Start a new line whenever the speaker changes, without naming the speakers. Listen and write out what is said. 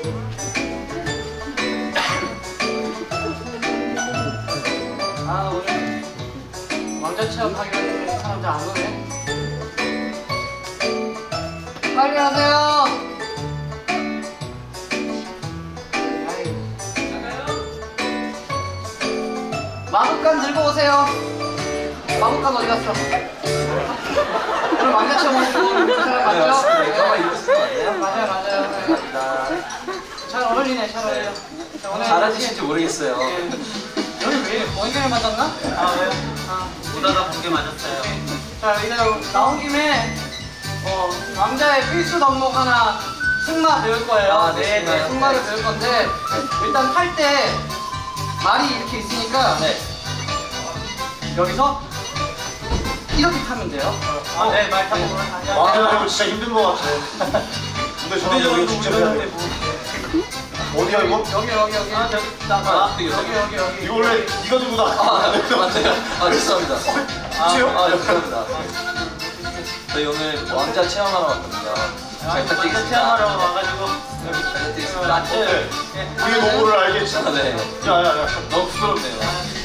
아 오늘 왕자 체험 하기로 했는데 사람들 안 오네. 빨리 하세요. 마법관 들고 오세요. 마법관 어디 갔어? 오늘 왕자 체험 하시고 그 사람 맞죠? 맞아요. 잘 어울리네, 잘 어울려. 자, 오늘
잘하실지 모르겠어요.
여기 왜 번개를 맞았나? 아 왜요?
보다가 번개 맞았어요.
자 이제 나온 김에 왕자의 필수 덕목 하나 승마 배울 거예요.
아, 네, 승마요?
승마를 배울 건데 일단 탈 때 말이 이렇게 있으니까
네.
여기서 이렇게 타면 돼요.
네, 말 타고.
왕자 이거 진짜 힘든 거 같아. 근데 저는 이거 진짜 해야 돼. 어디야 이거?
여기.
아, 저기 나
여기.
이거 원래 네가 들고 다.
맞아요. 아, 죄송합니다.
그치요?
아, 죄송합니다. 저희 오늘 왕자 체험하러 왔거든요. 잘 부탁드리겠습니다.
체험하러 와가지고
잘 부탁드리겠습니다.
어때? 우리 노고를 알겠지?
아, 네.
야야야.
너무 부끄럽네요.